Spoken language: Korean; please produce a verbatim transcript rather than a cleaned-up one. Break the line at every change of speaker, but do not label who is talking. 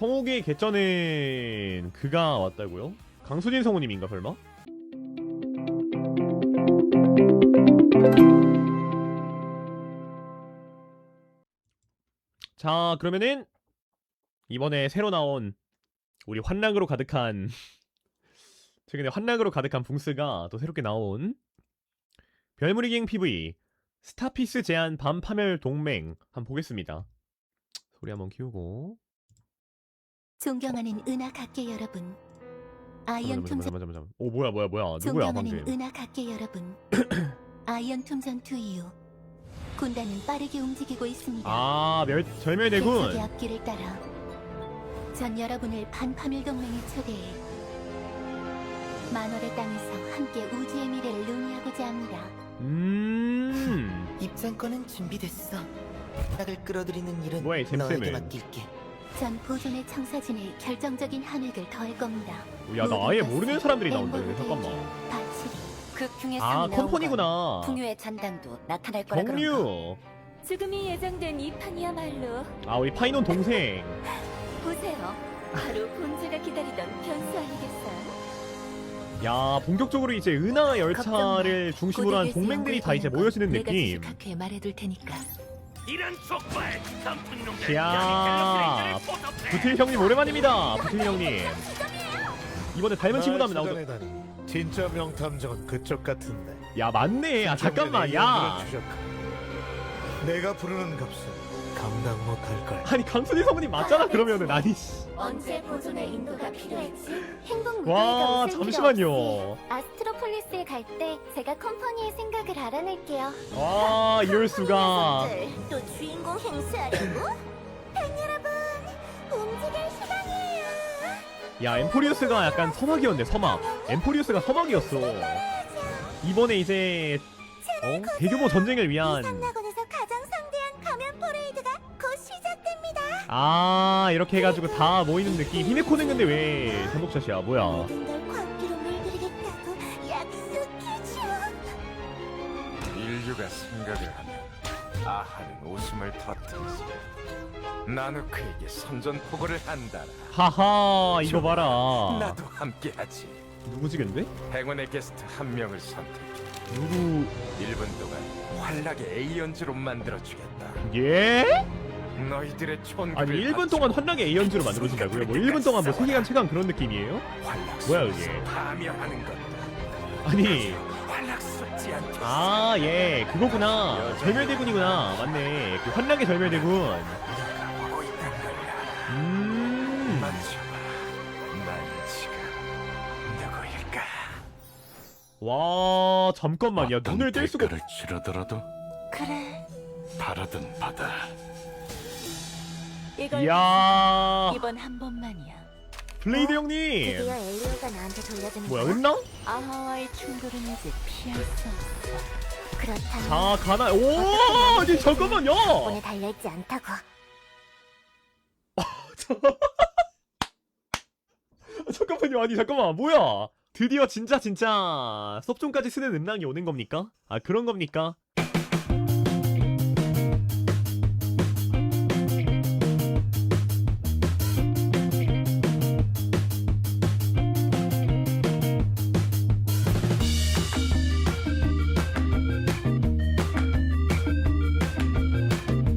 성욱의 개쩌는 그가 왔다고요? 강수진 성우님인가 설마? 자, 그러면은 이번에 새로 나온 우리 환락으로 가득한 최근에 환락으로 가득한 붕스가 또 새롭게 나온 별무리갱 피브이 스타피스 제한 밤파멸 동맹 한번 보겠습니다. 소리 한번 키우고.
존경하는 은하각계 여러분, 아이언 톰
잠깐만 잠깐만 잠깐만. 오 뭐야 뭐야 뭐야 누구야
존경하는
방금.
은하각계 여러분, 아이언 톰 전투 이후 군단은 빠르게 움직이고 있습니다.
아 멸, 절멸대군.
계속의 앞길을 따라 전 여러분을 반파멸 동맹에 초대해 만월의 땅에서 함께 우주의 미래를 논의하고자 합니다.
음
입장권은 준비됐어. 낙을 끌어들이는 일은
뭐야, 이 잼쌤은.
너에게 맡길게.
전 보존의 청사진에 결정적인 함액을 더할 겁니다.
야 나 아예 모르는 사람들이 나온다. 이거 잠깐만.
바치리
극중의
아
상이 나온
컴퍼니구나.
건 풍요의 잔당도 나타날 거라 그런가.
정류.
지금이 예정된 이 판이야말로
아 우리 파이논 동생.
보세요. 바로 본체가 기다리던 변수 아니겠어요?
야 본격적으로 이제 은하 열차를 중심으로 한 동맹들이 다 이제 모여지는
내가
느낌.
지식학회에 말해둘 테니까.
이런 족발 단풍 농장
야 부틸 형님 오랜만입니다. 부틸 형님. 이번에 닮은 친구도 한번 나오죠.
나오다. 진짜 명탐정은 그쪽 같은데.
야 맞네. 아 잠깐만 야.
내가 부르는 값은 감당 못할 걸.
아니 강순희 성우님 맞잖아 그러면은. 아니 씨.
언제 보존의 인도가 필요했지? 행복
와 잠시만요.
아스트로폴리스에 갈 때 제가 컴퍼니의 생각을 알아낼게요.
와 이럴 수가.
또 주인공 행세하려고? 팬 여러분, 움직일 시간이에요.
야 엠포리우스가 약간 서막이었네. 서막. 엠포리우스가 서막이었어. 이번에 이제 어? 대규모 전쟁을 위한
낙원에서 가장 성대한 가면 퍼레이드가 곧 시작됩니다.
아 이렇게 해가지고 다 모이는 느낌. 히메코는 근데 왜 전복샷이야 뭐야.
모든 걸 광기로 물들이겠다고 약속해줘.
인류가 생각을 하면 아하는 웃음을 터뜨리지. 나누크에게 선전포고를 한다라.
하하 이거 봐라.
나도 함께하지.
누구지 근데?
행운의 게스트 한 명을 선택.
누구?
일 분 동안 환락의 에이언즈로 만들어주겠다.
예?
너희들의 촌.
아니 일 분 동안 환락의 에이언즈로 만들어진다고요? 뭐 일 분 동안 뭐 세계관 최강 그런 느낌이에요? 뭐야, 그게?
파멸하는 것.
아니
환락스럽지 않게.
아 예 그거구나. 절멸대군이구나. 맞네. 그 환락의 절멸대군.
보고 있단 말이야.
음.
만져봐. 난 지금 누구일까?
와 잠깐만 야 눈을 뗄 수가 없...
치르더라도
그래.
바라든 바다.
이걸
이야
이번 한 번만이야.
블레이드 형님.
엘리오가 나한테 돌려주는
뭐야 은나?
아하와의 충돌은 이제 피할 수 없어.
그렇다면
자 가나. 오 아니 잠깐만 야.
오늘 달려있지 않다고.
잠깐만요. 아니 잠깐만 뭐야. 드디어 진짜 진짜 섭종까지 쓰는 음랑이 오는 겁니까? 아 그런 겁니까?